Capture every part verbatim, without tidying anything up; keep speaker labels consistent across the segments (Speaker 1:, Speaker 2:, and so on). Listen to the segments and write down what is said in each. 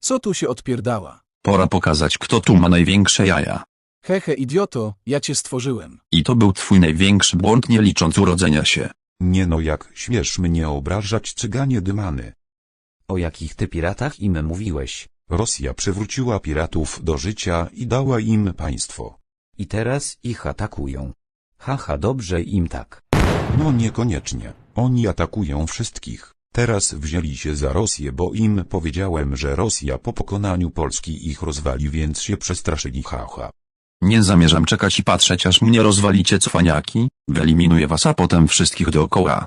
Speaker 1: Co tu się odpierdała?
Speaker 2: Pora pokazać, kto tu ma największe jaja.
Speaker 1: Hehe idioto, ja cię stworzyłem.
Speaker 2: I to był twój największy błąd, nie licząc urodzenia się.
Speaker 3: Nie no, jak śmiesz mnie obrażać, cyganie dymany.
Speaker 4: O jakich ty piratach im mówiłeś?
Speaker 3: Rosja przywróciła piratów do życia i dała im państwo.
Speaker 4: I teraz ich atakują. Haha, dobrze im tak.
Speaker 3: No niekoniecznie. Oni atakują wszystkich. Teraz wzięli się za Rosję, bo im powiedziałem, że Rosja po pokonaniu Polski ich rozwali, więc się przestraszyli, haha.
Speaker 2: Nie zamierzam czekać i patrzeć, aż mnie rozwalicie, cwaniaki. Wyeliminuję was, a potem wszystkich dookoła.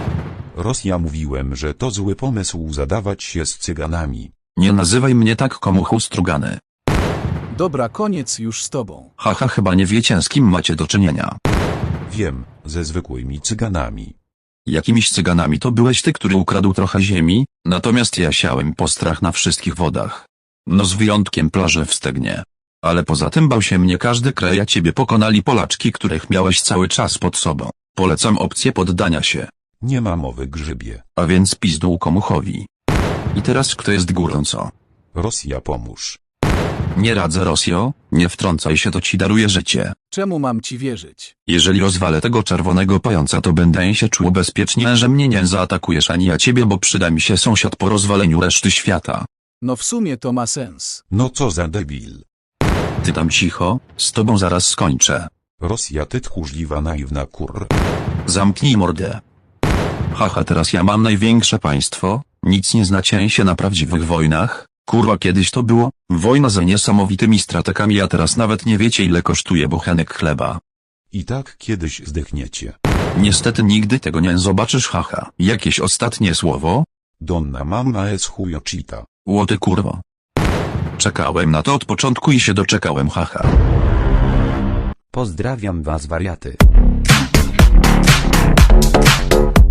Speaker 3: Rosja, mówiłem, że to zły pomysł zadawać się z cyganami.
Speaker 2: Nie nazywaj mnie tak, komuchu strugany.
Speaker 1: Dobra, koniec już z tobą.
Speaker 2: Haha, chyba nie wiecie, z kim macie do czynienia.
Speaker 3: Wiem, ze zwykłymi cyganami.
Speaker 2: Jakimiś cyganami to byłeś ty, który ukradł trochę ziemi, natomiast ja siałem postrach na wszystkich wodach. No z wyjątkiem plaży w Stegnie. Ale poza tym bał się mnie każdy kraj, a ciebie pokonali Polaczki, których miałeś cały czas pod sobą. Polecam opcję poddania się.
Speaker 3: Nie ma mowy, grzybie.
Speaker 2: A więc pizdu komuchowi. I teraz kto jest górą, co?
Speaker 3: Rosja, pomóż.
Speaker 2: Nie radzę, Rosjo, nie wtrącaj się, to ci daruję życie.
Speaker 1: Czemu mam ci wierzyć?
Speaker 2: Jeżeli rozwalę tego czerwonego pająca, to będę się czuł bezpiecznie, że mnie nie zaatakujesz ani ja ciebie, bo przyda mi się sąsiad po rozwaleniu reszty świata.
Speaker 1: No w sumie to ma sens.
Speaker 3: No co za debil.
Speaker 2: Ty tam cicho, z tobą zaraz skończę.
Speaker 3: Rosja, ty tchórzliwa, naiwna kur...
Speaker 2: Zamknij mordę. Haha, teraz ja mam największe państwo, nic nie znacie się na prawdziwych wojnach. Kurwa, kiedyś to było, wojna za niesamowitymi strategami, a teraz nawet nie wiecie, ile kosztuje bochenek chleba.
Speaker 3: I tak kiedyś zdechniecie.
Speaker 2: Niestety nigdy tego nie zobaczysz, haha. Jakieś ostatnie słowo?
Speaker 3: Donna mamma es chujochita.
Speaker 2: Łoty kurwo. Czekałem na to od początku i się doczekałem, haha.
Speaker 4: Pozdrawiam was, wariaty.